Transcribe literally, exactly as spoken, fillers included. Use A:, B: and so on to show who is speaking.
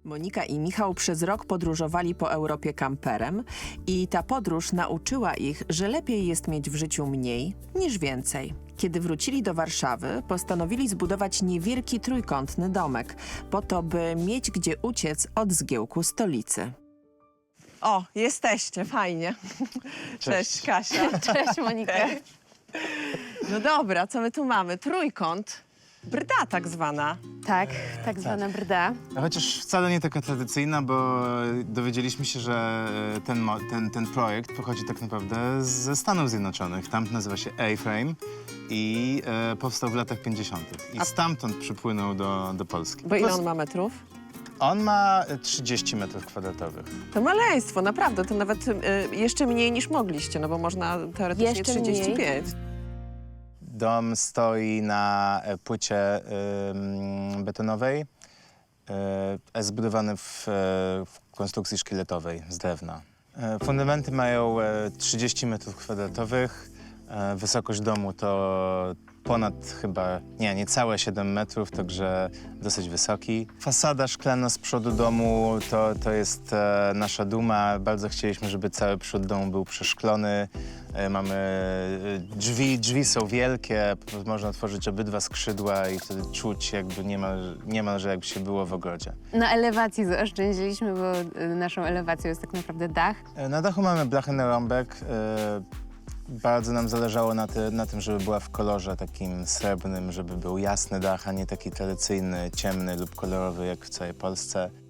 A: Monika i Michał przez rok podróżowali po Europie kamperem i ta podróż nauczyła ich, że lepiej jest mieć w życiu mniej niż więcej. Kiedy wrócili do Warszawy, postanowili zbudować niewielki trójkątny domek, po to, by mieć gdzie uciec od zgiełku stolicy. O, jesteście, fajnie.
B: Cześć.
A: Cześć, Kasia.
C: Cześć, Monika.
A: No dobra, co my tu mamy? Trójkąt. Brda tak zwana.
C: Tak, tak zwana brda.
B: A chociaż wcale nie taka tradycyjna, bo dowiedzieliśmy się, że ten, mo- ten, ten projekt pochodzi tak naprawdę ze Stanów Zjednoczonych. Tam nazywa się A-Frame i e, powstał w latach pięćdziesiątych. I
A: A-
B: stamtąd przypłynął do, do Polski.
A: Bo ile
B: Pos-
A: on ma metrów?
B: On ma trzydzieści metrów kwadratowych.
A: To maleństwo, naprawdę. To nawet y, jeszcze mniej niż mogliście, no bo można teoretycznie
C: Jeszcze
A: trzydzieści pięć.
B: Dom stoi na e, płycie ym, betonowej, y, zbudowany w, e, w konstrukcji szkieletowej z drewna. E, fundamenty mają e, trzydzieści metrów kwadratowych, e, wysokość domu to ponad chyba, nie, niecałe siedem metrów, także dosyć wysoki. Fasada szklana z przodu domu to, to jest e, nasza duma. Bardzo chcieliśmy, żeby cały przód domu był przeszklony. E, mamy e, drzwi, drzwi są wielkie, można otworzyć obydwa skrzydła i wtedy czuć jakby niemal, niemalże jakby się było w ogrodzie.
C: Na elewacji zaoszczędziliśmy, bo y, naszą elewacją jest tak naprawdę dach.
B: E, Na dachu mamy blachę na rąbek. E, Bardzo nam zależało na, ty, na tym, żeby była w kolorze takim srebrnym, żeby był jasny dach, a nie taki tradycyjny, ciemny lub kolorowy jak w całej Polsce.